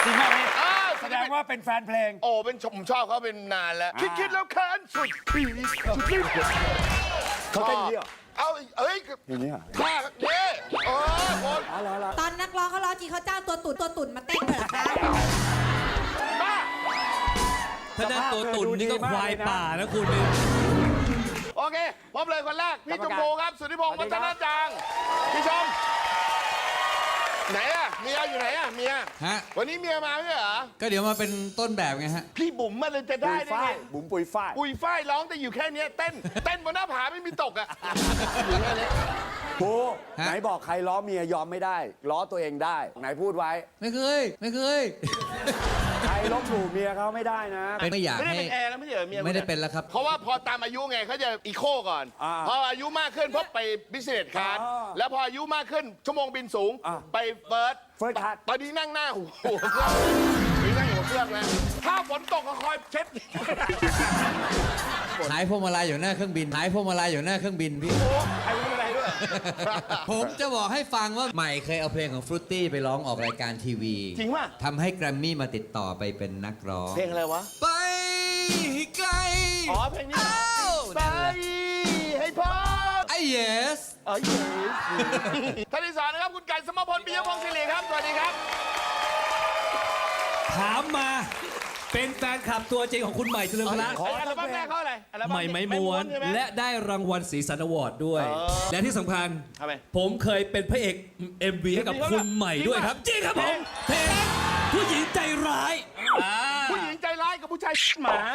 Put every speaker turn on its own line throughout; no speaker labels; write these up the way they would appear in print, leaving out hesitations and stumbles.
จริงมากพี่แสดงว่าเป็นแฟนเพลง
โอ้เป็นผมชอบเขาเป็นนานแล้วคิดแล้วแค้นสุดปี
เขาเต้นเยอะ
เอา
อย่างนี้เหรอ
ท่าเนี่ยคน
ตอนนักร้องเขาร้องจริงเขาจ้างตัวตุ่นมาเต้นเลยเหรอคะ
บ้า
ถ้าได้ตัวตุ่นนี่ก็ควายป่านะคุณนี่
โอเคพบเลยคนแรกพี่ชมพูครับสุทธิพงศ์วัฒนจางพี่ชมไหนอะเมียอยู่ไหนอะเมียวันนี้เมียมาไม่เหรอ
ก็เดี๋ยวมาเป็นต้นแบบไงฮะ
พี่บุ๋มมาเลยจะได้ไง
บุ๋มปุยฝ้าย
ปุยฝ้ายร้องแต่อยู่แค่นี้เต้นบนหน้าผาไม่มีตกอะอยู่แค่นี้
โอ้ไหนบอกใครล้อเมียยอมไม่ได้ล้อตัวเองได้ไหนพูดไว้
ไม่เคย
ใครลบหลู่เมียเขาไม่ได้นะ
ไม่อยาก
ไม่ได้เป็นแอร์แล้วไม่ใช่เมีย
ไม่ได้เป็นแล้วครับ
เพราะว่าพอตามอายุไงเขาจะอีโคก่อนพออายุมากขึ้นพบไปบิสเนสคลาสแล้วพออายุมากขึ้นชั่วโมงบินสูงไปเฟิร์ส
คลาส
ตอนนี้นั่งหน้าหัวเครื่องนั่งหัวเครื่องนะถ้าฝนตกก็คอยเช็ด
หายพวงมาลัยอยู่หน้าเครื่องบินหายพวงมาลัยอยู่หน้าเครื่องบินพี่
หายพวงมาลัยด้วย
ผมจะบอกให้ฟังว่าใหม่เคยเอาเพลงของฟรุตตี้ไปร้องออกรายการทีวี
จริงป่ะ
ทำให้แกรมมี่มาติดต่อไปเป็นนักร้อง
เพลงอะไรวะ
ไปไกล
เพลงนี้ไปให้พ้น
ไอ้ yes
ท่านที่สามนะครับคุณไก่สมพลปิยพงศ์ศิริครับสวัสดีครับ
ถามมาเป็นแฟนคลับตัวจริงของคุณใหม่เฉลิมพละ
อัลบั้มแรกเขาอะไร
ใหม่ไม้ม้วนและได้รางวัลสีสันอวอร์ดด้วยและที่สำคัญผมเคยเป็นพระเอก MV ให้กับคุณใหม่ด้วยครับจริงครับผมเพลงผู้หญิงใจร้าย
ผู้หญิงใจร้ายกับผู้ชายหมา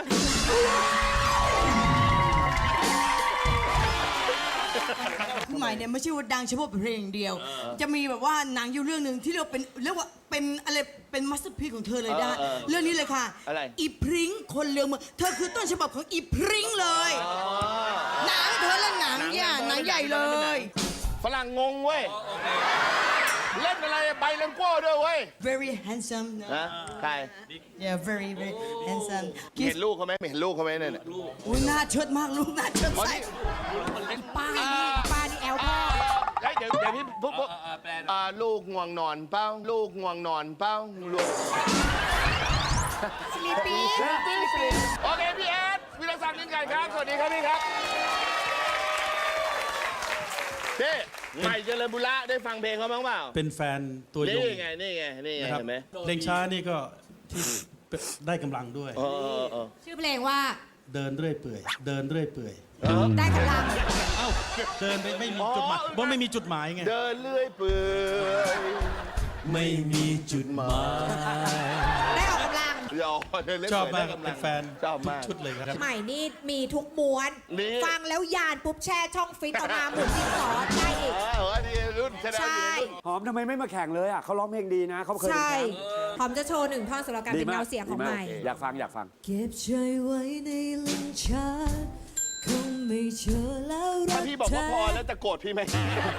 ใหม่เนี่ยไม่ใช่ว่าดังเฉพาะเพลงเดียวจะมีแบบว่าหนังอยู่เรื่องหนึ่งที่เรียกว่าเป็นอะไรเป็นมาสเตอร์พีซของเธอเลยได้เรื่องนี้เลยค่ะอีพริ้งคนเลืองเมืองเธอคือต้นฉบับของอีพริ้งเลยหนังเธอและหนังใหญ่เลย
ฝรั่งงงเว้ยเล่นอะไรใบเลมโก้ด้วยเว้ย
very handsome
นะใคร
yeah very handsome
เห็นลูกเขาไหมเห็นลูกเขาไหมเนี่ย
อุ้ยหน้าเชิดมากลูกหน้าเชิดใส่
ป้านี่แอลพ่อ
เดี๋ยวพี่ปุ๊บลูกง่วงนอนเป้าลูกง่วงนอนเป้าลูก
สลีปี
โอเคพี่แอดวิรศักดิ์นินไก่ครับสวัสดีครับพี่ครับพี่ใหม่เจริญบุระได้ฟังเพลงเขาบ้างเปล่า
เป็นแฟนตัวยง
นี่ไงเห็นไหม
เพลงช้านี่ก็ที่ได้กำลังด้วย
ชื่อเพลงว่า
เดินเรื่อยเปื่อยเดินเรื่อยเปื่อย
ได้กำลัง
เดินไม่มีจุดหมายเพราะไม่มีจุดหมายไง
เดินเรื่อยเปื่อย
ไม่มีจุดหมาย
ได้ออกกำลัง
ชอบมากเป็นแฟน
ชอบมาก
ชุดเลยครับ
ใหม่นี่มีทุกม้วนฟังแล้วยานปุ๊บแช่ช่องฟิตเอามาหมุนดินสอได้อีก
ใช่
หอมทำไมไม่มาแข่งเลยอ่ะเขาร้องเพลงดีนะเขาเคยเป็นแชมป์
หอมจะโชว์1 ท่อนสำหรับการเป็นเงาเสียงของใหม่
อยากฟัง
เก็บใจไว้ในลิ้นชักคงไม่เชื่อแล้วรัก
ถ้าพี่บอกว่าพอแล้วจะโกรธพี่ไหม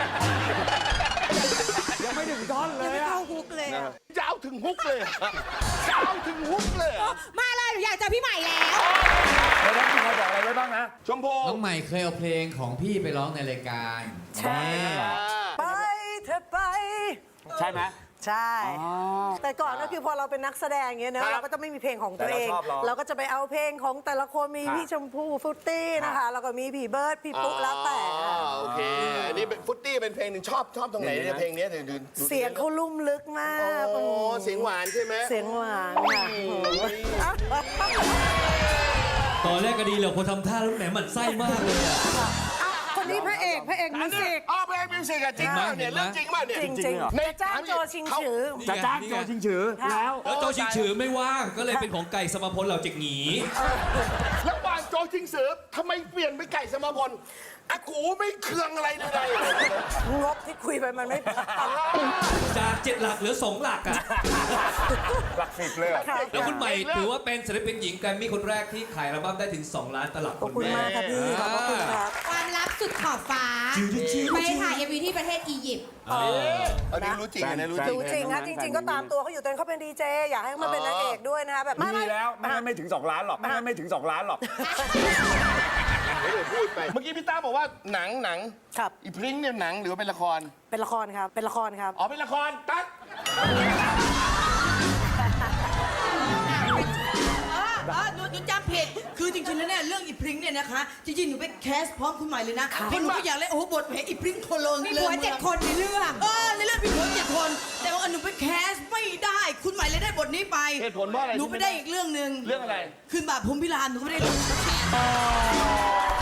ยังไม่ถึงท่อนเลย
ยังไม่เข้าฮุกเลย
จะเอาถึงฮุกเลยจะเอาถึงฮุกเลย
มาเลยอยากเจอพี่ใหม่แล้ว
แล้วน้องพี่ใครบอกอะไรไว้บ้างนะ
ชมพู
น้องใหม่เคยเอาเพลงของพี่ไปร้องในรายการ
ใช่ไปเธอไป
ใช่ไหม
ใช่แต่ก่อนก็คือพอเราเป็นนักแสดงอย่างเงี้ยนะเราก็จะไม่มีเพลงของตัวเองเราก็จะไปเอาเพลงของแต่ละคนมีพี่ชมพู่ฟุตตี้นะคะแล้วก็มีพี่เบิร์ดพี่ปุ๊แล้วแต่
โอเคอันนี้ฟุตตี้เป็นเพลงหนึ่งชอบตรงไหนเนี่ยเพลงนี้
เสียงเขาลุ่มลึกมาก
โอ้เสียงหวานใช่ไหม
เสียงหวานค่ะ
ตอนแรกก็ดีเลยคนทำท่าแล้วแหมหมั่นไส้มากเลย
คนนี้พระเอกมิวสิก
พระเอกมิวสิกจริงมากเนี่ยเรื่องจริงมากเนี่ย
จริงในจ้างโจชิงฉือ
จะจ้างโจชิงฉือแล้ว
โจชิงฉือไม่ว่างก็เลยเป็นของไก่สมพลเหล่าจิกหงี
แล้ววางโจชิงฉือทำไมเปลี่ยนไปไก่สมพลอากูไม่เคืองอะไรเลย
งบที่คุยไปมันไม่
จาก7 หลักเหลือ2 หลักอ่ะ
หลัก10เลย
แล้วคุณใหม่ถือว่าเป็นศิลปินหญิงแกรมมี่คนแรกที่ขายอัลบั้มได้ถึง2 ล้านตลับ
ขอบคุณมากครับพี่ขอบคุณครับ
ความลับสุดขอบฟ้าไปถ่ายMVที่ประเทศอียิปต์
อันนี้รู้จริงนะ
รู้จริงนะจริงๆก็ตามตัวเขาอยู่ตอนเขาเป็นดีเจอยากให้เขามาเป็นนางเอกด้วยนะคะแบบ
ไม่แล้วไม่ถึง2 ล้านหรอกไม่ถึง2 ล้านหรอก
พูดไปเมื่อกี้พี่ต้าบอกว่าหนัง
ครับ
อีพริ้งเนี่ยหนังหรือว่าเป็นละคร
เป็นละครครับอ๋
อเป็นละครตั๊ก
คือจริงๆแล้วเนี่ยเรื่องอีพริ้งเนี่ยนะคะจริงๆหนูไปแคสพร้อมคุณใหม่เลยนะเพราะหนูก็อยากเล่นโอ้โหบทแหมอีพริ้งโคโลน
มีผัว7 คนในเรื่อง
ในเรื่องมีผัว7 คน แต่ว่าหนูไปแคสไม่ได้คุณใหม่เลยได้บทนี้ไป
เหตุผลเพราะอะไร
หนูไม่ได้อีกเรื่องหนึ่ง
เรื่องอะไร
คืนบาปพรหมพิรามหนูก็ไม่ได้ดู